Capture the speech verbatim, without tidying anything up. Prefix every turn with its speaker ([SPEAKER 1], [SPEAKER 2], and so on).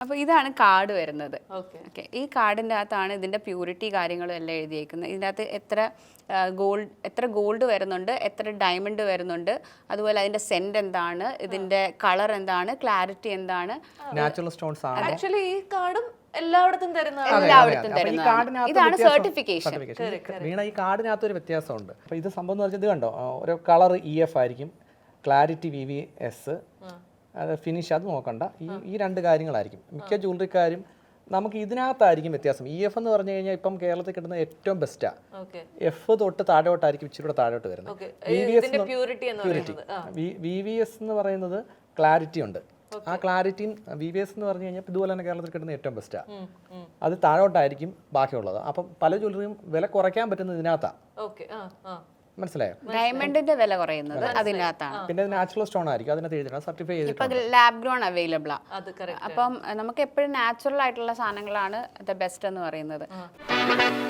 [SPEAKER 1] അപ്പോൾ ഇതാണ് കാർഡ് വരുന്നത്.
[SPEAKER 2] ഓക്കെ
[SPEAKER 1] ഓക്കെ, ഈ കാർഡിൻ്റെ അകത്താണ് ഇതിൻ്റെ പ്യൂരിറ്റി കാര്യങ്ങളും എല്ലാം എഴുതിയേക്കുന്നത്. ഇതിൻ്റെ അകത്ത് എത്ര ഗോൾഡ് എത്ര ഗോൾഡ് വരുന്നുണ്ട്, എത്ര ഡയമണ്ട് വരുന്നുണ്ട്, അതുപോലെ അതിൻ്റെ സെൻറ്റ് എന്താണ്, ഇതിൻ്റെ കളർ എന്താണ്, ക്ലാരിറ്റി എന്താണ്.
[SPEAKER 3] നാച്ചുറൽ സ്റ്റോൺസ് ആണ്.
[SPEAKER 2] ആക്ച്വലി ഈ കാർഡും എല്ലായിടത്തും തരുന്നതാണ്.
[SPEAKER 1] എല്ലായിടത്തും തരുന്നതാണ്. ഇതാണ് സർട്ടിഫിക്കേഷൻ.
[SPEAKER 3] വീണ ഈ കാർഡിനകത്ത് ഒരു വ്യത്യാസമുണ്ട്. അപ്പോൾ ഇത് സംഭവം എന്ന് പറഞ്ഞാൽ ഇത് കണ്ടോ, ഒരു കളർ ഇ എഫ് ആയിരിക്കും, ക്ലാരിറ്റി വി വി എസ്, അത് ഫിനിഷ് അത് നോക്കണ്ട. ഈ ഈ രണ്ട് കാര്യങ്ങളായിരിക്കും മിക്ക ജ്വല്ലറിക്കാരും. നമുക്ക് ഇതിനകത്തായിരിക്കും വ്യത്യാസം. ഇ എഫ് എന്ന് പറഞ്ഞു കഴിഞ്ഞാൽ ഇപ്പം കേരളത്തിൽ കിട്ടുന്ന ഏറ്റവും ബെസ്റ്റാ. എഫ് തൊട്ട് താഴോട്ടായിരിക്കും ഇച്ചിരി കൂടെ താഴോട്ട് വരുന്നത്. V V S purity V V S എന്ന് പറയുന്നത് ക്ലാരിറ്റി ഉണ്ട്. ആ ക്ലാരിറ്റിയും വി വി എസ് എന്ന് പറഞ്ഞു കഴിഞ്ഞാൽ ഇതുപോലെ തന്നെ കേരളത്തിൽ കിട്ടുന്ന ഏറ്റവും ബെസ്റ്റാ. അത് താഴോട്ടായിരിക്കും ബാക്കിയുള്ളത്. അപ്പം പല ജ്വല്ലറിയും വില കുറയ്ക്കാൻ പറ്റുന്നത് ഇതിനകത്താ. മനസ്സിലായോ?
[SPEAKER 1] ഡയമണ്ടിന്റെ വില കുറയുന്നത് അതിനകത്താണ്.
[SPEAKER 3] പിന്നെ നാച്ചുറൽ സ്റ്റോൺ ആയിരിക്കും അതിനകത്ത് എഴുതിയിട്ടുണ്ട്, സർട്ടിഫൈ ചെയ്തിട്ടുണ്ട്.
[SPEAKER 1] ഇപ്പൊ ലാബ് ഗ്രോൺ അവൈലബിൾ ആണ്. അപ്പം നമുക്ക് എപ്പോഴും നാച്ചുറൽ ആയിട്ടുള്ള സാധനങ്ങളാണ് ദ ബെസ്റ്റ് എന്ന് പറയുന്നത്.